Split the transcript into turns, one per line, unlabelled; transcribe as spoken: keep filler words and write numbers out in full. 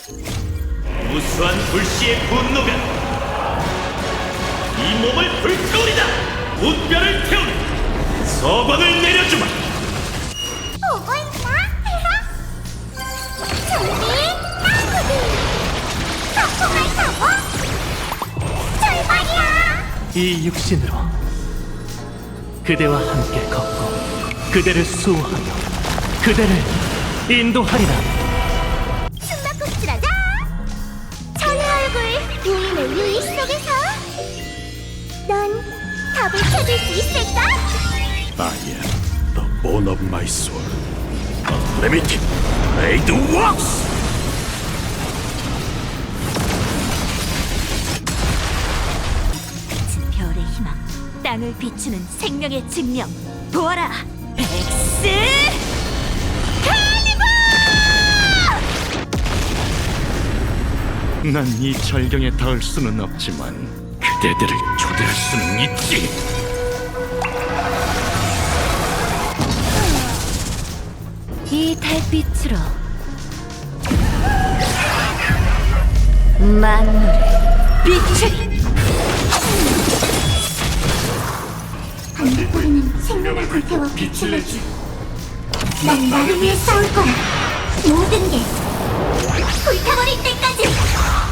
무수한 불씨의 분노가 이 몸을 불태우리다. 웃뼈를 태우는 서광을 내려주마.
보고 있나? 준비, 나구비 거품을 타고 출발이야.
이 육신으로 그대와 함께 걷고 그대를 수호하며 그대를 인도하리라.
숨바꼭질하자. 천의 얼굴 부인의 유의 속에서 넌 답을 찾을 수 있을까?
I am the bone of my soul. Unlimited Blade Works!
별의 희망, 땅을 비추는 생명의 증명. 보아라, 엑스
난 이 절경에 닿을 수는 없지만 그대들을 초대할 수는 있지.
이 달빛으로 만물을 비추리.
반딧불이는 생명을 불태워 빛을 내지. 난 나를 위해 싸울 거야. 모든 게 불타버릴 때까지.